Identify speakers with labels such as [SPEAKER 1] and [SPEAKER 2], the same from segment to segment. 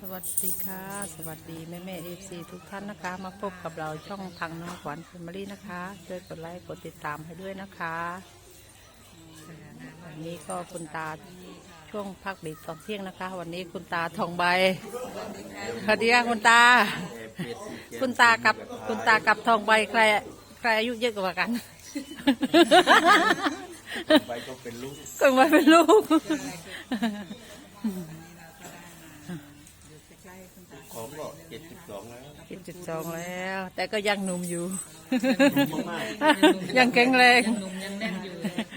[SPEAKER 1] วัสดีค่ะสวัสดีแม่เอฟซีทุกท่านนะคะมาพบกับเราช่องทางน้องขวัญแฟมิลี่นะคะช่วยกดไลค์กดติดตามให้ด้วยนะคะวันนี้ก็คุณตาช่วงพักเบรกตอนเที่ยงนะคะวันนี้คุณตาทองใบสวัสดีค่ะคุณตากับทองใบใครอายุเยอะกว่ากัน
[SPEAKER 2] ใบก็เป็นลูก
[SPEAKER 1] ทองใบเป็นลูก
[SPEAKER 2] ของก็72แล้ว
[SPEAKER 1] 72แล้วแต่ก็ยังหนุ่มอยู่
[SPEAKER 2] นุ่มมาก
[SPEAKER 1] ยังแข็งแรง
[SPEAKER 3] หนุ่มยังแน่นอยู่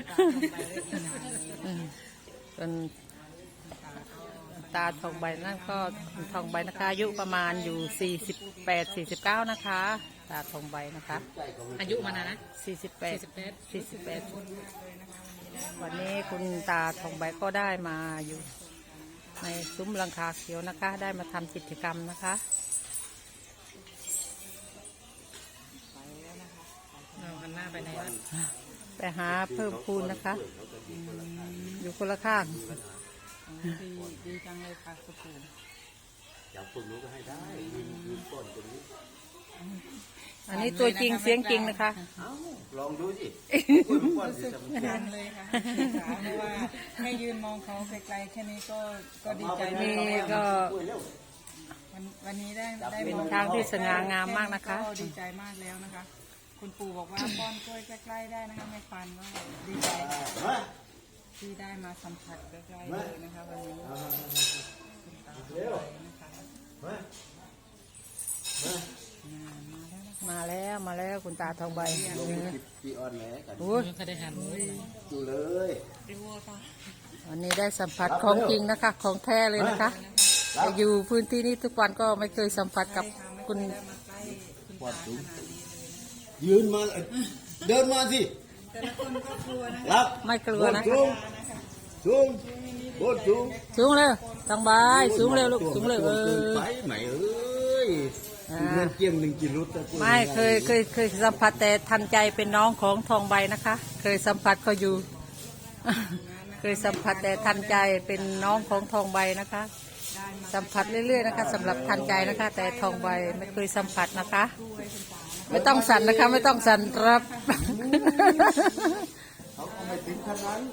[SPEAKER 1] เป็นตาทองใบนั่นก็ทองใบนะคะอายุประมาณอยู่48-49นะคะตาทองใบนะคะ
[SPEAKER 3] อายุมันนะ
[SPEAKER 1] 48วันนี้คุณตาทองใบก็ได้มาอยู่ในซุ้มหลังคาเขียวนะคะได้มาทำกิจกรรมนะคะ
[SPEAKER 3] เราหันหน้าไปไหนวะ
[SPEAKER 1] ไปหาเพิ่มพูนนะคะอยู่คนละข้าง
[SPEAKER 3] ดีจังเลยค่ะคุณปู่
[SPEAKER 2] อยากฝึกรู้ก็ให้ได้ยืนต้นตรงนี้
[SPEAKER 1] อันนี้ตัวจริงเสียงจริงนะคะ
[SPEAKER 2] ลองดูสิ
[SPEAKER 3] รู้สึกดังเลยค่ะเพราะว่าให้ยืนมองเขาไกลๆแค่นี้ก็ดีใจ
[SPEAKER 1] นี่ก็
[SPEAKER 3] วันนี้ได้
[SPEAKER 1] เป็นทางที่สง่างามมากนะคะ
[SPEAKER 3] ก็ดีใจมากแล้วนะคะ คุณปู่บอกว่าป้อนกล้วยใกล้ๆได้นะคะแม่ฟันก็ดีใจที่ได้มาสัมผัสใกล้ๆเลยนะคะวันนี้คุณตานะคะ
[SPEAKER 1] มาแล้วคุณตาทองใบ
[SPEAKER 2] พี่ออนแหลกัน
[SPEAKER 1] โอ้ย
[SPEAKER 3] เขาได้หันเลย
[SPEAKER 2] ดูเลย
[SPEAKER 1] วันนี้ได้สัมผัสของจริงนะคะ ของแท้เลยนะคะแต่อยู่พื้นที่นี้ทุกวันก็ไม่เคยสัมผัสกับคุณ
[SPEAKER 2] ปอดสูงยืนมาเดินมาสิ
[SPEAKER 3] แต่ละคนก็กลัวนะ
[SPEAKER 2] รับ
[SPEAKER 1] ไม่กลัวนะคะ
[SPEAKER 2] สูงโคตรสูง
[SPEAKER 1] สูงเร็วทองใบสูงเร็วลูกสูงเร็ว
[SPEAKER 2] ไปไหมเอ้ยเงินเกี่ยง1 กิโลตะกุย
[SPEAKER 1] ไม่เคยสัมผัสแต่ทันใจเป็นน้องของทองใบนะคะ เคยสัมผัสเขาอยู่ เคยสัมผัสแต่ทันใจเป็นน้องของทองใบนะคะ สัมผัสเรื่อยๆนะคะสำหรับทันใจนะคะ แต่ทองใบไม่เคยสัมผัสนะคะ ไม่ต้องสั่นนะคะ ไม่ต้องสั่นครับ
[SPEAKER 2] เขาก็ไม่ถึงขนาดนั้น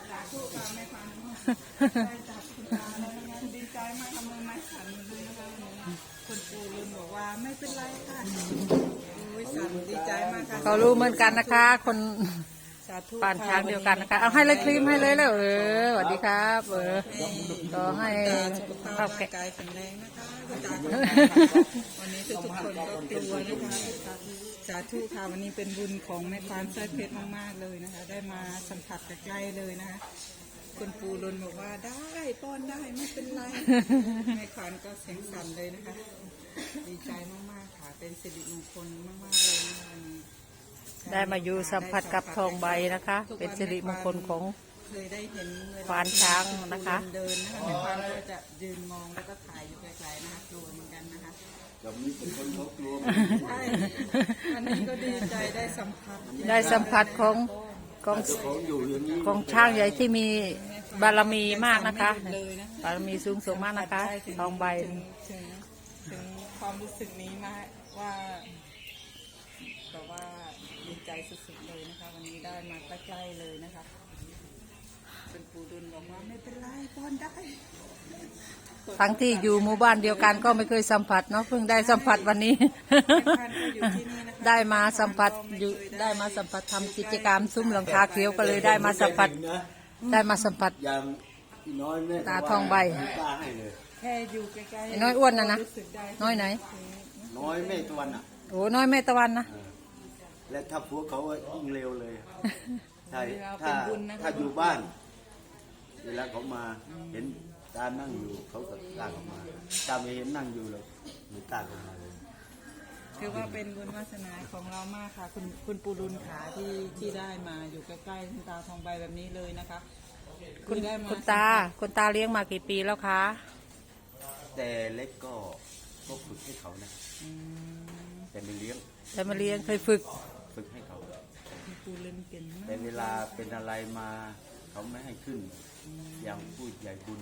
[SPEAKER 3] ดีใจมากทำมือไม้สั่นเลยนะคะคุณปู่ลืมบอกว่าไม่เป็นไรค่ะสั่นดีใจมากค่ะ
[SPEAKER 1] เขารู้เหมือนกันนะคะ คน
[SPEAKER 3] สาธุ
[SPEAKER 1] ป่านช้างเดียวกันนะคะ เอาให้เลยครีมให้เลยแล้วสวัสดีครับก็ให้
[SPEAKER 3] สุขภา
[SPEAKER 1] ข้า
[SPEAKER 3] พ
[SPEAKER 1] ว
[SPEAKER 3] ร่า
[SPEAKER 1] แกะ
[SPEAKER 3] งกายแข็งแรงนะคะคุณตาวันนี้ทุกคนก็กลัวนะคะสาธุค่ะวันนี้เป็นบุญของแม่ควานสร้อยเพชรมากๆเลยนะคะ ได้มาสัมผัสใกล้ๆเลยนะคะคุณปู่ลนบอกว่าได้ป้อนได้ไม่เป็นไรแม่ควานก็เสียงสั่นเลยนะคะ ดีใจมากๆค่ะเป็นสิริมงคลมากๆเลยนะคะวันนี้
[SPEAKER 1] ได้มาอยู่สัมผัสกับทองใบนะคะ เป็นสิริมงคลของ
[SPEAKER 3] เคยได้เห็นเวล
[SPEAKER 1] ควานช้างนะคะ
[SPEAKER 3] เดินนะคะแม่ควานก็จะยืนมองแล้วก็ถ่ายอยู่ไกลๆนะคะกลัวเหมือนกันนะคะ
[SPEAKER 2] กับนี้เป็นคนเขากลัว
[SPEAKER 3] ใช่วันนี้ก็ดีใจได้สัมผัส
[SPEAKER 1] ได้สัมผัสของ
[SPEAKER 2] ของอยู่อย่างนี้
[SPEAKER 1] ของช้างใหญ่ที่มีบารมีมากนะคะ
[SPEAKER 3] เลยนะ
[SPEAKER 1] บารมีสูงส่งมากนะคะทองใบ
[SPEAKER 3] ถึงความรู้สึกนี้มากว่าแต่ว่าดีใจสุดๆเลยนะคะ วันนี้ได้มาใกล้ๆเลยนะคะเป็นปูดุลบอกว่าไม่เป็นไรป้อนได้
[SPEAKER 1] ทั้งที่อยู่หมู่บ้านเดียวกันก็ไม่เคยสัมผัสเนาะเพิ่งได้สัมผัสวันนี้ ได้มาสัมผัสอยู่ได้มาสัมผัสทำกิจกรรมซุ้มหลังคาเขียวก็เลยได้มาสัมผัส ได้มาสัมผัส
[SPEAKER 2] อย่างพี่น้อยแม่
[SPEAKER 1] ตาทองใบ
[SPEAKER 2] กล้าให้เลย
[SPEAKER 3] แค่อยู่ใกล้
[SPEAKER 1] ไอ้น้อยอ้วนนะ
[SPEAKER 3] รู้สึกได้
[SPEAKER 1] น้อยไหน
[SPEAKER 2] น้อยแม่ตะวันอ่ะ
[SPEAKER 1] โอ้น้อยแม่ตะวันนะ
[SPEAKER 2] และถ้าพวกเขายิ่งเร็วเลยใช่
[SPEAKER 3] เรา
[SPEAKER 2] ถ้า
[SPEAKER 3] เป็นบุญนะคะ
[SPEAKER 2] ถ้าอยู่บ้าน เวลาเขามาเห็นตานั่งอยู่เขาก็กล้าออกมาตาไม่เห็นนั่งอยู่เลยไม่กล้าออกมาเลย
[SPEAKER 3] คือว่าเป็นบุญวาสนาของเรามากค่ะ คุณปูรุนขาที่ได้มาอยู่ใกล้ๆคุณตาทองใบแบบนี้เลยนะคะ
[SPEAKER 1] คุณ
[SPEAKER 3] ได้มา
[SPEAKER 1] คุณตาเลี้ยงมากี่ปีแล้วคะ
[SPEAKER 2] แต่เล็กก็ฝึกให้เขานะแต่ไม่เลี้ยง
[SPEAKER 1] แต่มาเลี้ยงเคยฝึก
[SPEAKER 2] ฝึกให้เขา
[SPEAKER 3] คุณปูรุนเก่งมา
[SPEAKER 2] แต่
[SPEAKER 3] ก
[SPEAKER 2] เวลาเป็นอะไรมาเขาไม่ให้ขึ้น อย่างผู้ใหญ่บุญอะ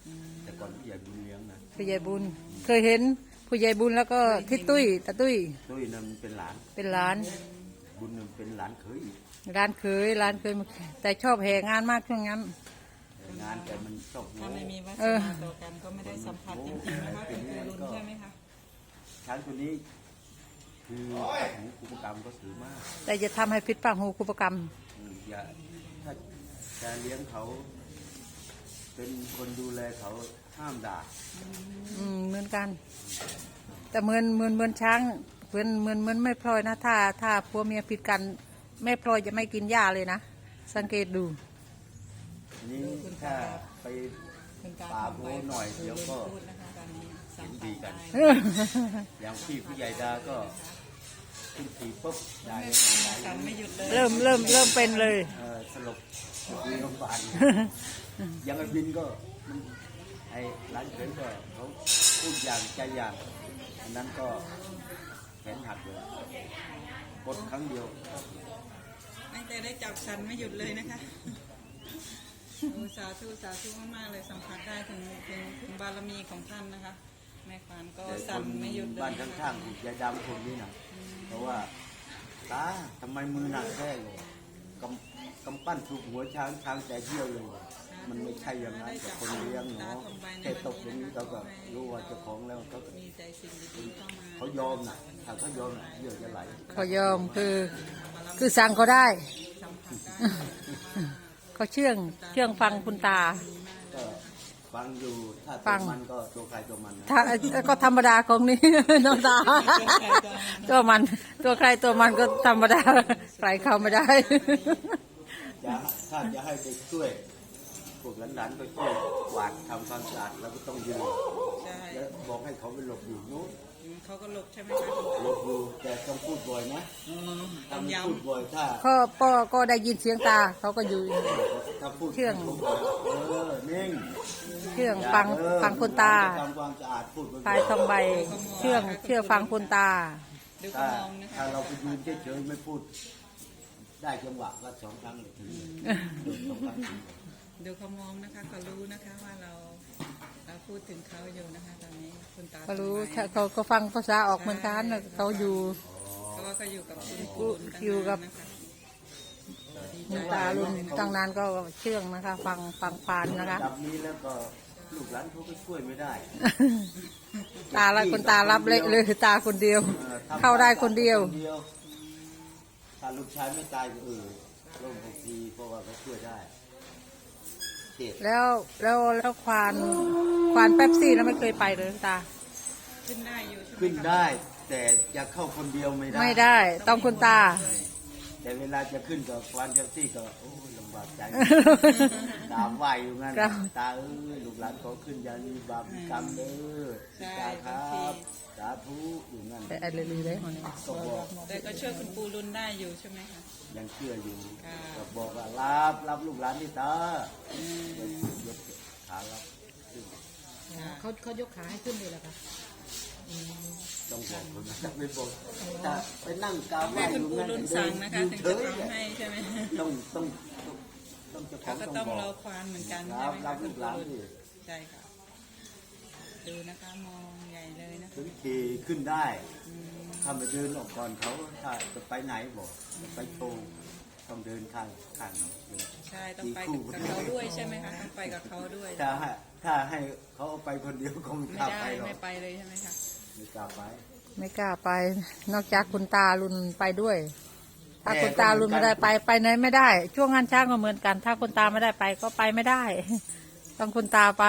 [SPEAKER 2] แต่ก่อนผู้ใหญ่บุญเลี้ยงนะ
[SPEAKER 1] ผู้ใหญ่บุญเคยเห็นผู้ใหญ่บุญแล้วก็ทิศตุ้ยตาตุ้ย
[SPEAKER 2] ตุ้ยนั่นเป็นหลาน
[SPEAKER 1] เป็นร้าน
[SPEAKER 2] บุญนั่นเป็นหลานเขยอีก
[SPEAKER 1] ร้านเคยร้านเคยมาแต่ชอบแห่งานมากช่วงนั้น
[SPEAKER 2] แต่งานแต่มันชอบโง่
[SPEAKER 3] ถ้าไม่มีวาส
[SPEAKER 1] เออ
[SPEAKER 3] นาต่อกันก็ไม่ได้สัมผัสจริงๆนะคะคุณปูรุนใช่ไหมคะ
[SPEAKER 2] ช้างตัวนี้คือหูคุปกรรมก็ถือมาก
[SPEAKER 1] แต่จะทำให้พิษปากหูคุปกรรม
[SPEAKER 2] อย่าถ้าจะเลี้ยงเขา เป็นคนดูแลเขาห้ามด่า
[SPEAKER 1] เหมือนกัน แต่เหมือนช้างเหมือนไม่พลอยนะถ้าผัวเมียผิดกันแม่พลอยจะไม่กินหญ้าเลยนะสังเกตดู
[SPEAKER 2] นี่ถ้าไป
[SPEAKER 3] คุณตา
[SPEAKER 2] ป่าโบหน่อยเดี๋ยวก็
[SPEAKER 3] พูดนะคะตอนนี้สั
[SPEAKER 2] เห็
[SPEAKER 3] ม
[SPEAKER 2] น
[SPEAKER 3] ผั
[SPEAKER 2] ดี
[SPEAKER 3] ส
[SPEAKER 2] กัน
[SPEAKER 3] ได้
[SPEAKER 2] อย่างพี่ผู้ใหญ่ดาก็ขึ้นขี่ปุ๊บได้
[SPEAKER 3] กันไม่หยุดเลย
[SPEAKER 1] เริ่มเป็นเลย
[SPEAKER 2] สลบอยู่โรงพยาบาลยังไอ้บินก็มันไอ้ร้านเขยก็เขาพูดอย่างใจอย่างอันนั้นก็แขนหักเลยกดครั้งเดียว
[SPEAKER 3] ตั้งแต่ได้จับสันไม่หยุดเลยนะคะโอ้สาธุมากๆเลยสัมผัสได้ถึงบารมีของท่านนะคะ แม่ควานก็
[SPEAKER 2] แต่ค
[SPEAKER 3] สั่น
[SPEAKER 2] น
[SPEAKER 3] ไม่หยุดเลย
[SPEAKER 2] บ้าน
[SPEAKER 3] นะคะ
[SPEAKER 2] ข้างๆยายดำคนนี้นะเพราะว่าตาทำไมมือหนักแค่เลยกำปั้นถูกหัวช้างแต่เยี่ยวเลย มันไม่ใช่อย่างนั้นกับคนเลี้ยงเนาะแค่ตกอย่างนี้เราก็รู้ว่าเจ้าของแล้วเขา
[SPEAKER 3] มีใจสิ่งดีๆเข้ามา
[SPEAKER 2] เขายอมนะถ้าเขายอมน่ะเยื่อจะไหล
[SPEAKER 1] เขายอมคือสั่งเขาได้
[SPEAKER 3] สัมผัสได้
[SPEAKER 1] เขาเชื่องฟังคุณตา
[SPEAKER 2] ก็ฟังอยู่ถ้า
[SPEAKER 1] ฟั
[SPEAKER 2] ตัว
[SPEAKER 1] ง
[SPEAKER 2] มันก็ตัวใครตัวมันนะ
[SPEAKER 1] ถ้าก็ธรรมดาของนี่ น้องตา ตัวมันตัวใครตัวมันก็ธรรมดาใครเข้าไม่ได้
[SPEAKER 2] ถ้าจะให้เด็กช่วยพวกหลานๆก็ช่วยกวาดทำความสะอาดแล้วก็ต้องยืน
[SPEAKER 3] ใช่
[SPEAKER 2] แล้วบอกให้เขาไปหลบอยู่นู้น
[SPEAKER 3] เขาก็หลบใช่ไหมคะ
[SPEAKER 2] หลบอยู่แต่ต้องพูดบ่อยนะ
[SPEAKER 3] ต้
[SPEAKER 2] ถ้า
[SPEAKER 3] อง
[SPEAKER 2] ไม่
[SPEAKER 3] ย้
[SPEAKER 2] พูดบ่อยถ้า
[SPEAKER 1] ก็ได้ยินเสียงตาเขาก็อยู่
[SPEAKER 2] ถ้าพูด
[SPEAKER 1] เชื่อง
[SPEAKER 2] บ่อยนิ่ง
[SPEAKER 1] เชื่องฟังคุณตา
[SPEAKER 2] ทำความสะอาดพูดบ่อย
[SPEAKER 1] พายทองใบเชื่องฟังคุณตา
[SPEAKER 3] ำดู
[SPEAKER 2] ถ้า
[SPEAKER 3] เขามองนะคะ
[SPEAKER 2] ถ้าเราไปยืนเฉยๆไม่พูด ได้จังหวะก็สองครั้งเลยถึงสองครั้งถึง
[SPEAKER 3] ดูเขามองนะคะเขารู้นะคะว่าเราพูดถึงเขาอยู่นะคะตอนนี้คุณตา
[SPEAKER 1] เขารู้
[SPEAKER 3] สมัย
[SPEAKER 1] เขาก็ฟังภาษาออกเหมือนกันเขาอยู่
[SPEAKER 3] เพราะว่าเขาอยู่กับคุณปู่ตั้งนาน
[SPEAKER 1] อยู่กับ
[SPEAKER 3] นะคะ
[SPEAKER 1] คุณตาลุนตั้งนานก็เชื่องนะคะ ฟังพานนะคะ
[SPEAKER 2] จับนี้แล้วก็ลูกหลานเขาก็ช่วยไม่ได้
[SPEAKER 1] ตาละคุณตารับเละเลยตาคนเดียว เข้าได้คนเดียว
[SPEAKER 2] ถ้าลูกชายไม่ตายก็ร่มหกทีเพราะว่าเขาช่วยได้เจ็บ
[SPEAKER 1] แล้วควานเป๊ปซี่แล้วไม่เคยไปเลยตา
[SPEAKER 3] ขึ้นได้อยู่ใช่ไหม
[SPEAKER 2] ขึ้น
[SPEAKER 3] คะ
[SPEAKER 2] ได้ แต่จะเข้าคนเดียวไม่ได้
[SPEAKER 1] ไม่ได้ ต้องคุณตา
[SPEAKER 2] แต่เวลาจะขึ้นกับควานเจ้าที่ก็โอ้ยลำบากใจ ตามไหวอยู่งั้น
[SPEAKER 1] ครับ
[SPEAKER 2] ตาลูกหลานขอขึ้นอย่ามีบาปมีกรรมเด้อ
[SPEAKER 3] ใช่
[SPEAKER 2] ตาค
[SPEAKER 3] บา
[SPEAKER 2] รั
[SPEAKER 3] งที
[SPEAKER 2] บสาธุอยู่งั้น
[SPEAKER 1] แต่อะไรเลยได้หมด
[SPEAKER 2] ก็บอก
[SPEAKER 3] แต่ก็ช่วยคุณปู่รุนได้อยู่ใช่ไหมคะ
[SPEAKER 2] ยังเชื่ออยู่
[SPEAKER 3] ค่ะ
[SPEAKER 2] ก็บอกว่ารับลูกหลานที่ตา ยกขารับขึ้น
[SPEAKER 1] เขายกขาให้ขึ้นเลยเหรอคะ
[SPEAKER 2] ต้องบอกคนนะไม่บอกถ้าไปนั่งกราบไห
[SPEAKER 3] แม่
[SPEAKER 2] ว้
[SPEAKER 3] คุ
[SPEAKER 2] อ
[SPEAKER 3] ณ
[SPEAKER 2] ยู่
[SPEAKER 3] ปู่
[SPEAKER 2] งั้น
[SPEAKER 3] รุนสั่งนะคะ
[SPEAKER 2] ยื
[SPEAKER 3] ถึง
[SPEAKER 2] เฉ
[SPEAKER 3] จะ
[SPEAKER 2] ย
[SPEAKER 3] ทำให้ใช่ไหม
[SPEAKER 2] ต้องเจ้าขอ
[SPEAKER 3] เขา
[SPEAKER 2] ง
[SPEAKER 3] ก็
[SPEAKER 2] ต้
[SPEAKER 3] ต้
[SPEAKER 2] อ
[SPEAKER 3] อง ง
[SPEAKER 2] บ
[SPEAKER 3] ร
[SPEAKER 2] อ
[SPEAKER 3] อก ควานเหมือนกัน
[SPEAKER 2] ค
[SPEAKER 3] ใช่
[SPEAKER 2] รับ
[SPEAKER 3] ไหม
[SPEAKER 2] รั
[SPEAKER 3] คะ
[SPEAKER 2] บ
[SPEAKER 3] คุ
[SPEAKER 2] ลู
[SPEAKER 3] ณ
[SPEAKER 2] กห
[SPEAKER 3] ปู่
[SPEAKER 2] ลาน
[SPEAKER 3] รุน
[SPEAKER 2] ที่
[SPEAKER 3] ใช่ค่ะดูนะคะมองใหญ่เลยนะคะ
[SPEAKER 2] ถึงขี่ขึ้นได้ถ้ามาเดินออกก่อนเขาถ้าจะไปไหนบอกจะไปโชว์ต้องเดินข้างเขา
[SPEAKER 3] ใช่ต้องไปกับเขาด้วยใช่ไหมคะต้องไปกับเขาด้วย
[SPEAKER 2] ถ้าให้เขาเอาไปคนเดียวก็ไม่ก
[SPEAKER 3] ไม่
[SPEAKER 2] ล้า
[SPEAKER 3] ได้
[SPEAKER 2] ไปหรอก
[SPEAKER 3] ไม่ไปเลยใช่ไหมคะ
[SPEAKER 2] ไม่กล้าไป
[SPEAKER 1] ไม่กล้าไป นอกจากคุณตาลุนไปด้วย ถ้าคุณตาลุนไม่ได้ไปไหนไม่ได้ ช่วงงานช้างก็เหมือนกัน ถ้าคุณตาไม่ได้ไปก็ไปไม่ได้ ต้องคุณตาไป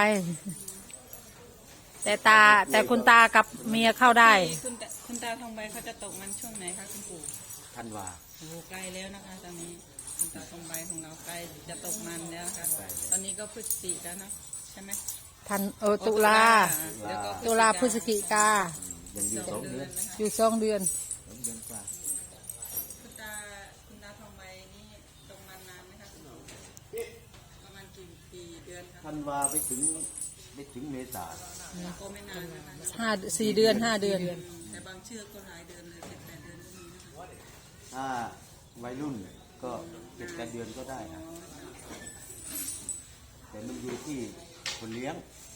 [SPEAKER 1] แต่คุณตากับเมียเข้าได้
[SPEAKER 3] คุณตาทองใบเขาจะตกมันช่วงไหนคะคุณปู่
[SPEAKER 2] ท่านว่า
[SPEAKER 3] โอ้โหใกล้แล้วนะคะตอนนี้คุณตาทองใบของเราใกล้จะตกมันแล้วนะคะ
[SPEAKER 2] ใกล้แล้ว
[SPEAKER 3] ตอนนี้ก็พฤศจิกแล้วเนาะใช่ไหม
[SPEAKER 1] ตุลา
[SPEAKER 3] แล้วก็
[SPEAKER 1] ตุลาพฤศจิกา
[SPEAKER 2] ยังอยู่2 เดือน
[SPEAKER 3] นะคะ
[SPEAKER 1] อยู่2 เดือน
[SPEAKER 2] 2 เดือนกว่า
[SPEAKER 3] คุณตาทองใบนี่ตกมันนานไหมคะคุณปู่ประมาณกี่เดือนคะ
[SPEAKER 2] ท่านว่าไปถึงเมษา
[SPEAKER 3] ก็ไม่นานนะคะ
[SPEAKER 1] 4 เดือน 5 เดือน
[SPEAKER 3] แต่บางเชือกก็หลายเดือนเลย7-8 เดือนก็มีนะคะ
[SPEAKER 2] ถ้าวัยรุ่นก็7-8 เดือนก็ได้นะแต่มันอยู่ที่คนเลี้ยง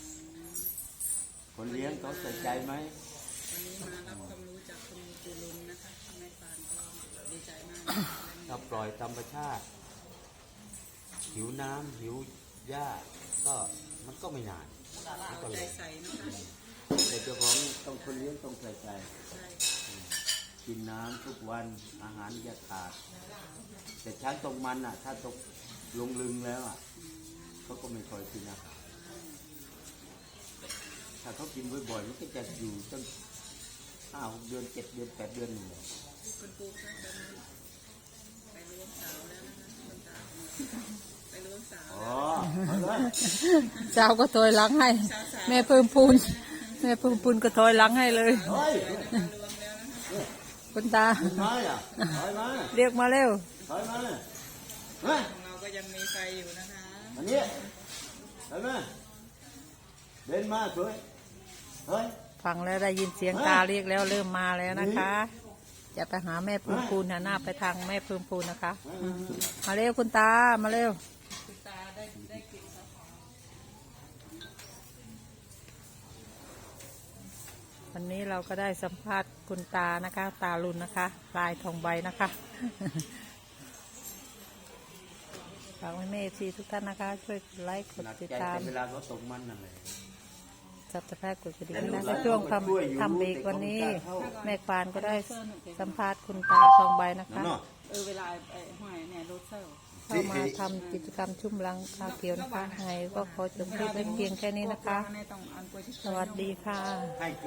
[SPEAKER 2] คนเลี้ยงเขาใส่ใจไหม
[SPEAKER 3] วันนี้มารับความรู้จากคุณจุลุนนะคะแม่ปานก็ดีใจมาก
[SPEAKER 2] ถ้าปล่อยธรรมชาติหิวน้ำหิวหญ้าก็มันก็ไม่นานมันก็
[SPEAKER 3] ใจ
[SPEAKER 2] เลย
[SPEAKER 3] ใส่นะคะ
[SPEAKER 2] แต่เจ้าของต้องคนเลี้ยงต้องใส่ใจ
[SPEAKER 3] ใช่
[SPEAKER 2] กินน้ำทุกวันอาหารอย่าขาด แต่ช้างตรงมันอ่ะ ถ้าตกลงลึงแล้วอ่ะเขาก็ไม่ค่อยกินอาหารถ้าเขากินบ่อยๆมันก็จะอยู่ตั้ง5-6 เดือน7 เดือน8 เดือนหนึ่งเลย
[SPEAKER 3] คุณปูคะตอนนี้ไปล้วงสาวแล้วนะคะคุณตาไปล้วงสาว
[SPEAKER 2] อ๋อเอาเลย
[SPEAKER 1] เจ้าก็ถอยหลังให้ แม่เพิ่มพูนแม่เพิ่มพูนก็ถอยหลังให้เลย
[SPEAKER 2] เฮ้ย
[SPEAKER 3] ล้วงแล้วนะคะ
[SPEAKER 1] คุณตา
[SPEAKER 2] มาอ่ะถอยมา
[SPEAKER 1] เรียกมาเร็ว
[SPEAKER 2] ถอยมาเฮ้ย
[SPEAKER 3] ของเราก็ยังมีไฟอยู่นะคะ
[SPEAKER 2] อันนี้ถอยมาเดินมาสวยเฮ้ย
[SPEAKER 1] ฟังแล้วได้ยินเสียงตาเรียกแล้วเริ่มมาแล้วนะคะ จะไปหาแม่เพิ่มพูนหันหน้าไปทางแม่เพิ่มพูนนะคะ มาเร็วคุณตามาเร็ว
[SPEAKER 3] คุณตาได้กลิ่นค่ะ
[SPEAKER 1] วันนี้เราก็ได้สัมภาษณ์คุณตานะคะ ตาลุนนะคะลายทองใบนะคะ ฝากไว้แม่ซีทุกท่านนะคะ ช่วยกดไลค์กด
[SPEAKER 2] หนัก
[SPEAKER 1] ติด
[SPEAKER 2] ใจ
[SPEAKER 1] ตาม
[SPEAKER 2] แต่เวลาเขาตกมันนั่นแหละ
[SPEAKER 1] สับสไครต์กดกระดิ่งนะในช่วงทำเบรกวันนี้ แม่ควานก็ได้สัมภาษณ์คุณตาทองใบนะคะ
[SPEAKER 2] เนาะ
[SPEAKER 3] เวลาไอ้หอยเนี่ยโรเซอร์
[SPEAKER 1] เข้ามาทำกิจกรรมชุ่มลังคาเขียวนะคะไงก็ขอจบคลิปไว้เพียงแค่นี้นะคะ
[SPEAKER 3] ต้องอันโปรชิ
[SPEAKER 1] สวัสดีค่ะ
[SPEAKER 2] ให้